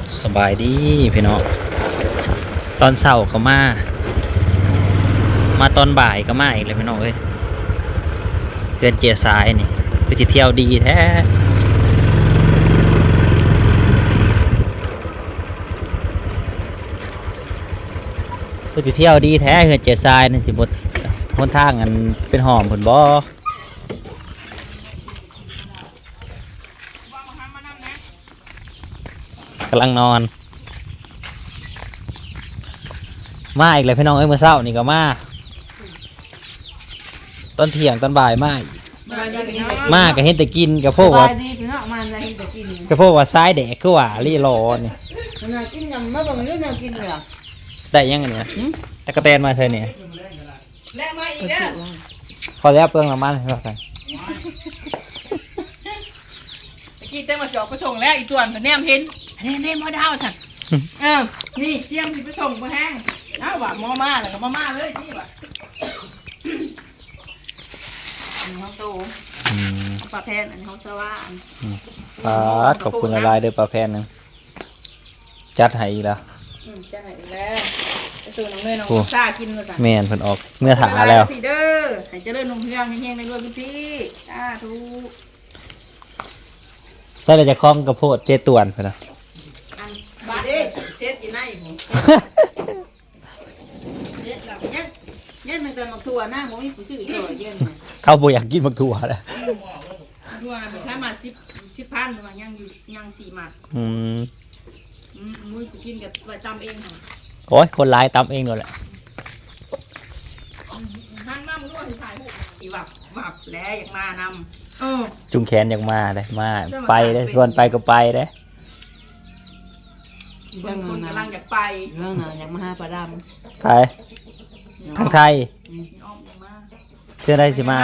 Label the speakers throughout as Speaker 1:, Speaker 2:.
Speaker 1: สบายดีพี่น้องตอนเช้าก็มาตอนบ่ายก็มาอีกเลยพี่น้องเอ้ยเพื่อนเจียสายนี่ไปเที่ยวดีแท้ไปเที่ยวดีแท้เพื่อนเจียสายนี่สิบดหนทางอันเป็นหอมผลบ่กำลังนอนมาอีกเลยพี่น้องเอ้ยเมื่อเช้านี่ก็มาตอนเที่ยงตอนบ่ายมาก็เห็นแต่กินกับพวกว่ากับพวกว่าซ้ายแดกคือว่ารีรอนี่
Speaker 2: กินยำมาบ่มีเรื่องกินเลย
Speaker 1: ได้ยังไงเนี่ยตะกะแตนมาใช่เนี่ย
Speaker 2: แลกมาอีกเด้อ
Speaker 1: พอแล้วเปลืองน้ำมันให้เรากัน
Speaker 2: ตะกี้เต้มาจอกไปส่งแล้วอีตวนแนมเห็นแนมบ่ดาวสั่นนี่เตรียมสิไปส่งบ่แห้งเอาว่าหม้อมาแล้วก็มาเลยนี่ว่าน้องโตปลาแพนอันนี้เขาสว่าง
Speaker 1: ขอบคุณอะไรเด้อปลาแพนนึงจัดให้อีกแล้ว
Speaker 2: จัดให้อีกแล้วไปสู่น้องเนยน้องซ่ากินมาสั่ง
Speaker 1: แม่นเพิ่นออกเมื่อถาแล้ว
Speaker 2: พี่เด้อให้เจริญนมเฮืองเฮงๆในด้วยคุณพี่ทุก
Speaker 1: ใส่เลยจะคล้องกระโพดเจตวนเพิ่นนะ
Speaker 2: บาดเด้เช็ดกินได้ผมเช็ดแล้วยันตั้งแต่มักถั่วหน้าบ่มีผู้ชื่อซอยเย็น
Speaker 1: เขาบ่อยากกินมักถั่วแล้ว
Speaker 2: ถั่วแบบถ้ามา10,000ประมาณยัง4หมัดมุ้ยกินกับใบตำเองค่ะ
Speaker 1: โอ้ยคนร้ายตำเองเลยแหละ
Speaker 2: หั่นมามึงด้วยถ่ายหูอีวับแล้วอยากมานำ
Speaker 1: จุงแขนอยากมาได้มาไปได้ชวนไปก็ไปได้
Speaker 2: บางคนกำลังอยากไปเรื่องน่ะอยากมาหาปลาดำ
Speaker 1: ไปทางไทยเชื่อได้สิมา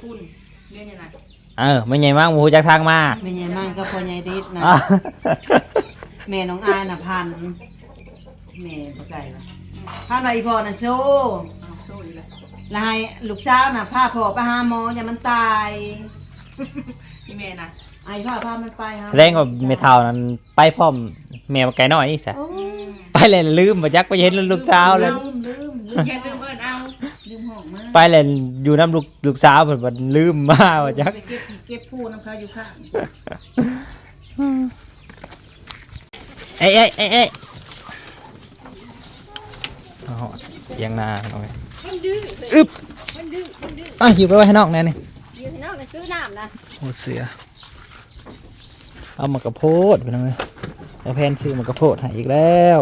Speaker 1: ไม่ใหญ่มากมูจากทางมา
Speaker 2: ไม่ใหญ่มากก็พอใหญ่ดิดนะแม่น้องอายน่ะพันแม่บ่ไก่ละพาหน่อยพ่อน่ะโซ่อีกแล้วแล้วให้ลูกสาวน่ะพาพ่อไปหาหมออย่ามันตายพี่แม่น่ะไอ้พามันไปหา
Speaker 1: แรงกว่าเมทัลนั้นไปพร้อมแม่ไก่น้อยนี่ซะไปเลยลืมบ่จักไปเห็นลูกสาวเลย
Speaker 2: แค่ลืมเอาลืมห้องมา
Speaker 1: ไปเลยอยู่น้ำลูกสาวเพิ่นบ่ลืมมาบ่จัก
Speaker 2: เก็บผู้น้ำเขาอยู่ข้าง
Speaker 1: เอ้ยยังนาเอาไว้อึ๊บอยู่ไปไว้ให้นอกแน่นี่
Speaker 2: อยู่ให้นอกซื้อน้ำนะ
Speaker 1: โอ้เสือเอามากระโพดไปหน่อยแล้วแพนซื้อมากระโพดให้อีกแล้ว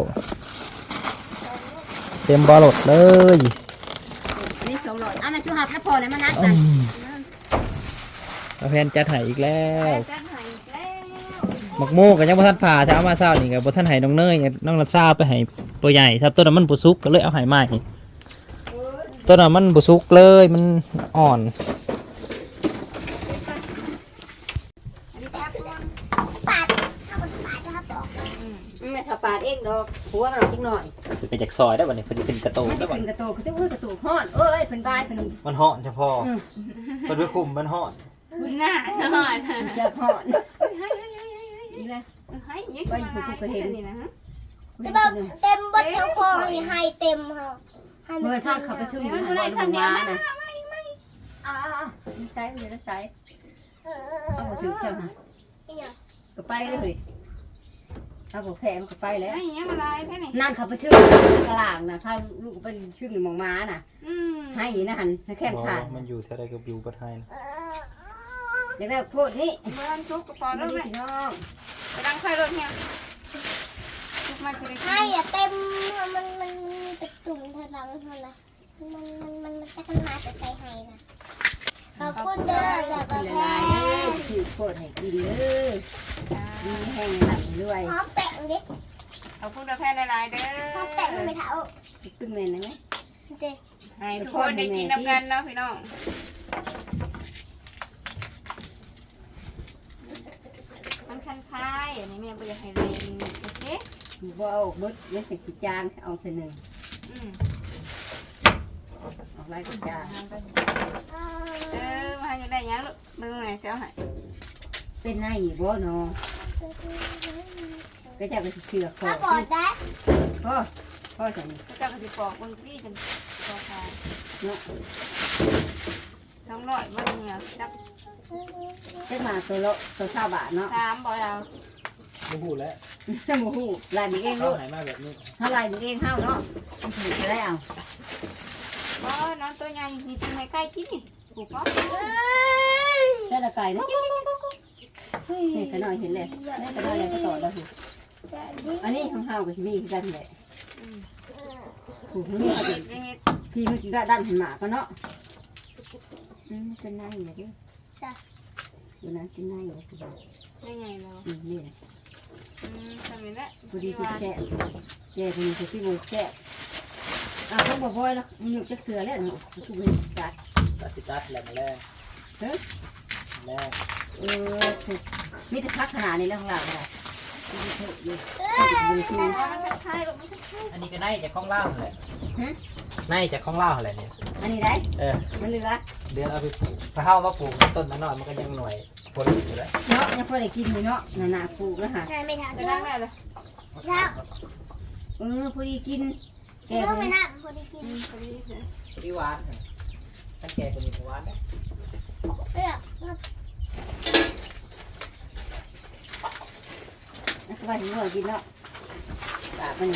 Speaker 1: เต็มบอลดเลย
Speaker 2: อันนี้200อันนั้นชูหับแล้วพอเลยมานัดกัน
Speaker 1: แล้วแพนจัดให้อีกแล้วหมักโม่กับยังบ่ทันผ่าถ้าเอามาเช้านี่ก็บ่ทันให้น้องเนยน้องรัชชาไปให้ตัวใหญ่ครับต้นนั้นมันบ่สุกก็เลยเอาให้ใหม่ต้นนั้นมันบ่สุกเลยมันอ่อน
Speaker 2: ไม่ถ้าปาดเองดอกหัวเราอีกหน่อย
Speaker 1: เป็นจากซอยได้บ่นี่เพิ่นเป็นกระโตก
Speaker 2: ได้บ่เป็นกระโตกคือจะกระโตกฮ้อนเอ้ยเพิ่นบายเพิ่น
Speaker 1: มันฮ้อนเฉพาะเพิ่นไปคุมมันฮ้อน
Speaker 2: คุณน่ะฮ้อนจะฮ้อนนี่แหละให้ยังไปผู้ก็เห็นนี่นะฮะ
Speaker 3: เต็มบดแถวคอนี่ให้เต็มค่ะ
Speaker 2: เมื่อท่านเขาไปซื้ออยู่ในชั้นนี้นะใส่เดี๋ยวใส่เอาถือเชือกฮะก็ไปเลยเอาบอกแผลมันก็ไปแล้วนั่นเขาไปชื่อกลางนะถ้าลูกเป็นชื่อหนึ่งมองม้าน่ะให้นะหันแค่ขาด
Speaker 1: มันอยู่แถวใดก็อยู่ประเทศ
Speaker 2: เดี๋ยวโทษนี่มันทุกกระป๋องแล้วแม่น้องไปดังไฟรถเนี่ย
Speaker 3: ให้เต็มมันจะจุ่มเธอหลังเธอละมันจะขึ้นมาจะใส่ให้นะขอบคุณเด้อจากประเทศ
Speaker 2: ถือโคตรให้กินเลยมีแห้งหนักด้วย
Speaker 3: หอมแป้งดิ
Speaker 2: ขอบคุณประเทศหลายๆเด้อ
Speaker 3: หอมแป้งไม่เท่า
Speaker 2: ตึ้งเมนนะไหม
Speaker 3: เจ๊
Speaker 2: ให้ทุกคนได้กินน้ำกันเนาะพี่น้องมันคันคายอันนี้แม่ไปอยากให้เรียนโอเคบ่เอาเบิดเล็กสิจานเอาเส้นหนึ่งออกไล่กับจานมาให้ยังได้ยังลูกมือไหนเสียวให้เป็นไงบ่เนาะ
Speaker 4: ก็จะไปเชือกคอ
Speaker 3: ถ้าบอดได้
Speaker 4: พ่อฉัน
Speaker 5: ก็จะกระติปอกบางที่จังปอกขาย
Speaker 4: เนาะ
Speaker 5: 200มันเนี่ยจัก
Speaker 4: เจ็ดมาตัวละตัว20 บาทเนาะ
Speaker 5: 3บ่เอา
Speaker 1: บ่ฮู้แล้ว
Speaker 4: โมโหลายนี้เอง
Speaker 1: เขา
Speaker 4: ลูก
Speaker 1: ให้มาแบบนี้
Speaker 4: ถ้าลายนี้เองเข้าเนาะมันถึงจะได้เอา
Speaker 5: บ่นอนตัวใหญ่นี่เป็นให้ใกล้กินนี่ปลูกบ่
Speaker 4: ใช่ละไก่นะเห็นกันหน่อยเห็นเลยนี่กันหน่อยเลยก็ต่อแล้วสิอันนี้ของเฮากับชีมีกันแหละถูกนี่
Speaker 5: เฮ็ดเฮ็ด
Speaker 4: พี่มันก็ดันหันหมาก็เนาะเป็นนายอยู่ดิอยู่นั้นเป็นนายอยู่ที่บ้าน
Speaker 5: ได้ไงแล้ว
Speaker 4: นี่
Speaker 5: ทำนี่แหละ
Speaker 4: พอดีคือแช่แช่คนนี้คือที่โบแช่เขาบอกว่าแล้วมันอยู่จะเสือแล้วเนาะคือมันจัด
Speaker 1: ตัดแหลมแรง
Speaker 4: เฮ้ย
Speaker 1: แรง
Speaker 4: มีแต่พักขนาดนี้แล้วของเราเลยอยู่
Speaker 5: มันคล้ายๆลูกมันคล้าย
Speaker 1: อันนี้ก็ในจากข้องล่างแหละในจากข้องล่างแหละเนี่ย
Speaker 4: อันนี้ได้ มันเหลือ
Speaker 1: เดี๋ยวเอาไปปลูกถ้าเฮามาปลูกต้นมันน้อยมันก็ยังหน่วยผลอยู่แล้ว
Speaker 4: เนาะยังพอได้กินอยู่เนาะหนาปลูกแล้วหา
Speaker 3: ไม่ทำ
Speaker 5: ๆ
Speaker 3: ไม่
Speaker 5: ไป
Speaker 3: ท
Speaker 5: นั่งได้เลย
Speaker 4: พอดีกินแก
Speaker 3: ำ
Speaker 4: พอ
Speaker 3: ไม่
Speaker 4: ดี
Speaker 3: น่าพอดีกิน
Speaker 5: พอดีเลย
Speaker 1: ที่หวานท่านแก่คนนี้หวานนะ
Speaker 3: เลือก
Speaker 4: สบายหัวกินเนาะตามัน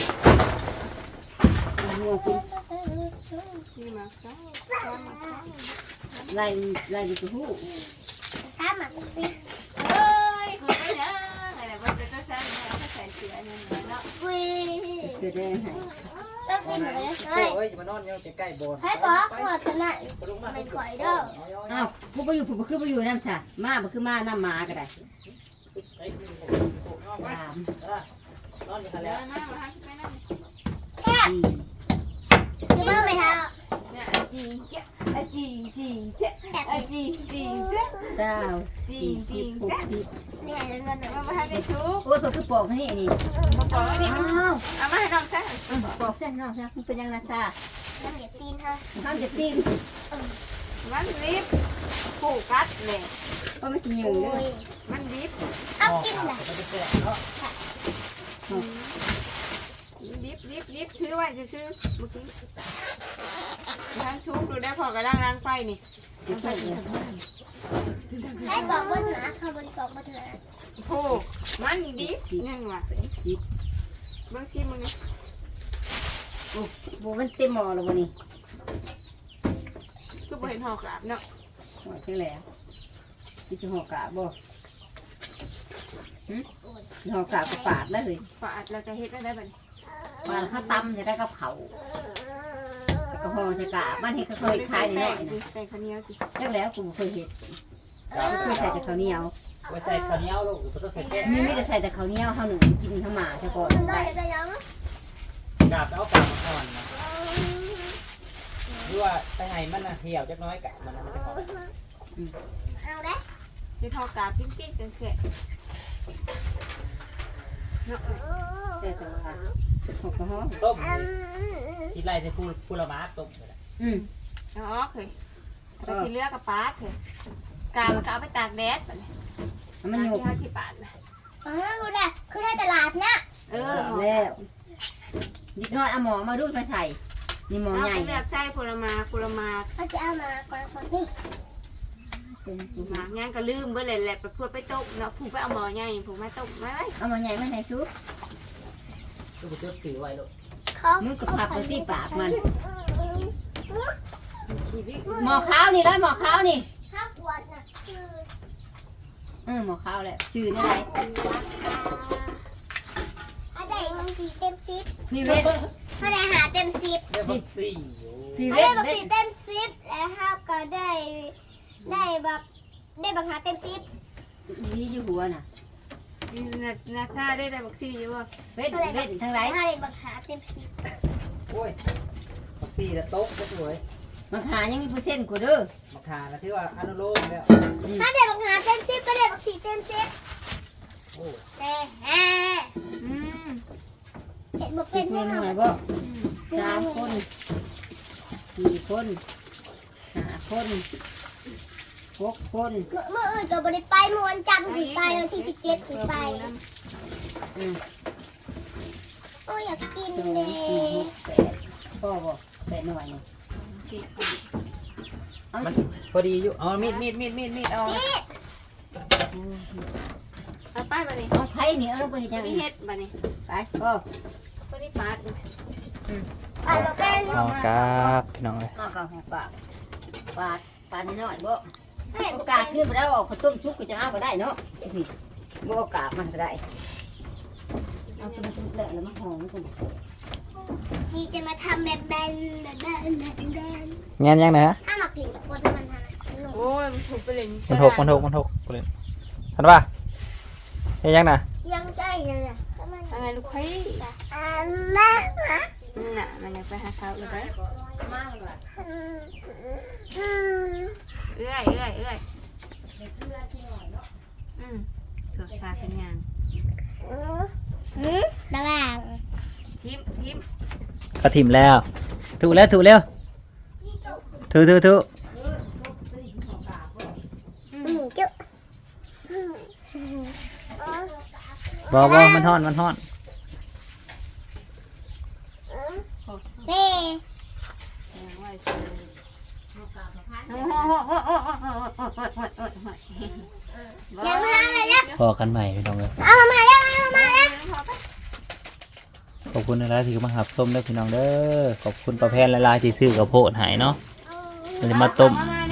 Speaker 4: หัวกิน
Speaker 5: ที่มาซ้ายซ้อนมาซ้าย
Speaker 4: ไล่ดูตัวหู
Speaker 3: ถ้ามันปิด
Speaker 5: เฮ้ยคุณไม่นะอะไรแบบจะต้องใช้เนี่ยต้องใส่เสื้อเนี่ยเนาะ
Speaker 3: กุย
Speaker 4: เกิดได้ไหม
Speaker 3: ต้องซิมเลยเฮ้ย
Speaker 1: เฮ้ยมานอนอยู่ใกล้ๆโบสถ์
Speaker 3: ให้บอกว่าชนะเป็นข่อยเด้อ
Speaker 4: อ้าวผู้ไปอยู่ผู้คือไปอยู่น้ำซะมาบ่คือมาน้ำหมาก็ได้ตาม
Speaker 1: นอนอยู่กัน
Speaker 5: เดี๋
Speaker 1: แล้
Speaker 5: ยว วมาให้ไปนั่ง
Speaker 3: แค่เมื่อไม่ท
Speaker 5: เนี่ยจริงเจ๊จริงจริงเจ๊
Speaker 3: ำแบบ
Speaker 5: จริงจริงเจ๊
Speaker 4: เจ้า
Speaker 5: จริ
Speaker 4: สี่
Speaker 5: งจ
Speaker 4: สิ
Speaker 5: ริ
Speaker 4: บ
Speaker 5: ง
Speaker 4: 60
Speaker 3: นี่ไงเรื่องนั้น
Speaker 5: มาให้ได้ชุบ
Speaker 4: โอ้ยตัวคือปอกนี่นี่
Speaker 5: มาปล่อยนี่
Speaker 4: อ้าว
Speaker 5: เอามาให้น้องซะ
Speaker 4: ปอกเส้นน้องมันเป็นยังไงซะ
Speaker 3: น้ำเหยียบตีนฮะ
Speaker 4: ข้าวจะตีน
Speaker 5: มันรีบผูกกัดเลย
Speaker 4: ก็ไม่สิยื
Speaker 3: โอ้
Speaker 4: นเลย
Speaker 3: ย
Speaker 5: มันรีบ
Speaker 3: เอากินล่ะ
Speaker 5: รีบถือไว้ซื้อเมื่อกี้ทางชุบดูได้พอกระด้างล้างไฟนี่
Speaker 3: ให้บอกว่าหนาเขาบริบอกว่าเธอ
Speaker 5: ผูกมันรีบนั่นว่ะ
Speaker 4: สิบ
Speaker 5: เบื้องชิมมึงนี่
Speaker 4: โอ้โหมันเต็มหม้อแล้ววันนี้
Speaker 5: คือบ่เห็นหอกราบเนาะ
Speaker 4: หม้อแค่แล้วที่จะห่อกาบบ่ห่อกาบก็ปาดแล้วเลย
Speaker 5: ฝาดแล้วก็เฮ็ดได้บัด
Speaker 4: ปาดข้าวตำจะได้กับเขาแล้วก็ห่อจะกาบมันเห็ดเขาเคยขายในน้อยนะ
Speaker 5: ใส่ข้าวเหนียวสิ
Speaker 4: จักแล้วกูบ่เคยเห็ดเคยใส่แต่ข้าวเหนียว
Speaker 1: ไว้ใส่ข้าวเหนียวลูกต้องใส่แก้
Speaker 4: มีแต่ใส่แต่ข้าวเหนียวข้าวหนึ่งกินข้าวหมาเฉพาะ
Speaker 3: ได้
Speaker 4: ได้
Speaker 3: ได้ยัง
Speaker 1: กาบเอากาบมาก่อนนะหรือว่าไปให้มันเหี่ยวจักน้อยกาบมันจะขอ
Speaker 3: เอาได้
Speaker 5: สิทอกราบปิ้งๆจังซี่เนาะ
Speaker 4: แต่ว่าหอกกระห้อ
Speaker 1: ต้มกินไรที่พูละมาต้มเลย
Speaker 5: อ๋อเคยไปที่เลือกกับปาดเคยกาวก็เอาไปตากแดดบัดนี้
Speaker 4: มันหยก
Speaker 5: ที่ที่ปาดนะ
Speaker 3: รู้แหละคือได้ตลาดนะ
Speaker 4: แล้วนิดน้อยเอาหมอมาดูมาใส่นี่หมอ
Speaker 5: เอา
Speaker 4: ใหญ่
Speaker 5: ไปเลือกใส่ผลไม้
Speaker 3: เขาจะเอามาก่อนคนนี้
Speaker 5: หมากย่างก็ลืมเบิ่เลยแหละไปพูดไปต้มเนาะผูกไปเอาหม้อใหญ่ผูกมาต้มไว้
Speaker 4: เอาหมอใหญ่มาใส่ซุป
Speaker 1: ก็ไปเลือกสีไว้ลูก
Speaker 3: เขา
Speaker 4: มึงกับผักไปที่ปากมัน
Speaker 5: ชีวิต
Speaker 4: หมอขาวนี่แล้วหมอขาวนี่
Speaker 3: ถ้าปวดน่ะคือ
Speaker 4: หมอขาวแหละชื่อนี่ไร
Speaker 3: ถ้าได้มันสีเต็มซิป
Speaker 4: พี่เวท
Speaker 3: ถ้าได้หาเต็มซิป
Speaker 1: เรียกว่าสีอยู่
Speaker 4: พี่เว
Speaker 3: ถ้า
Speaker 4: ท
Speaker 3: ได้บักสีเต็มซิปแล้วถ้าก็ได้บักหาเต็มซิป
Speaker 4: นี่อยู่หัวน่ะ
Speaker 5: นาซาได้บักซี่อยู่บ่
Speaker 4: เวทเวททั้งไร
Speaker 3: ถ้าได้บักหาเต็มซิป
Speaker 1: โอ้ยมักสีแต่โต๊ะก็สวย
Speaker 4: มาขายังมีผู้เส้นกูเด้อ
Speaker 1: มักขานะที่ว่าอนุโลมแล้ว
Speaker 3: ถ้าได้บักหาเต็มซิปก็ได้บักสีเต็มซิป
Speaker 1: โอ้
Speaker 5: อืม
Speaker 3: เห็นบ่
Speaker 4: เป็
Speaker 3: เป็น น
Speaker 4: ห
Speaker 3: แน่
Speaker 4: น่
Speaker 3: น
Speaker 4: ว
Speaker 3: อย น
Speaker 4: บ่3 คน 4 คน5 คน6 คน
Speaker 3: เมื่ออื่นก็บ่ได้ไปเมื่อวันจันทร์ถึงไปวันที่17ถึงไป
Speaker 4: อืม 2 4 6 8พ่อบ่8หน่วยนี่
Speaker 5: สิ
Speaker 4: เอา
Speaker 1: มันพอดีอยู่เอามีดเอา
Speaker 5: เอาไปบัดนี้
Speaker 4: เอาไผนี่เอาไปเฮ็ดจัง
Speaker 5: มี
Speaker 4: นี่
Speaker 5: เฮ็ดบัดนี้
Speaker 4: ไปพ่อ
Speaker 5: บ่ได้ปาด
Speaker 3: เอาเราเป็น
Speaker 1: เอาครับพี่น้องเอ้ย
Speaker 4: มากับหัวปากปาดน้อยบ่โอกาสขึ้นบ่ได้ว่าข้าวต้มชุบก็จะเอาก็ได้เนาะนี่บ่โอกาสมันก็ได้เอาตัวชุบแล้วมาห่อมันก่อน
Speaker 3: ดีจะมาทำแบบแบนแบบแบนแบบแบน
Speaker 1: แง่นยังนะฮะ
Speaker 3: ถ้ามาผิดคนมันทำอะไรหนู
Speaker 5: โอ้ยมันถูกไปเลย
Speaker 1: มันหกกูเลยทันป่ะเฮ็ดยังนะ
Speaker 3: ยังใจเลยอ่ะทำไม
Speaker 5: ยังไงลูกพี่
Speaker 3: แม่
Speaker 5: น่ะมันยังไปหาเขาเลยไปเอื้อยถูกพาเป็นงาน
Speaker 3: ระหว่าง
Speaker 5: ทิม
Speaker 1: ก็ถิ่มแล้วถูกแล้วถู
Speaker 3: นี่จุ๊
Speaker 1: บ่มันฮ้อน
Speaker 3: แม่ ยังไม่ทำอะไรเลย
Speaker 1: พอกันใหม่พี่น้องเอ้ย
Speaker 3: เอามาแล้ว
Speaker 1: ขอบคุณหลายๆที่มาหับส้มเด้อพี่น้องเด้อขอบคุณประแพนหลายๆที่ซื้อกับโพดใหายเนาะมันจะมาต้ม
Speaker 5: มา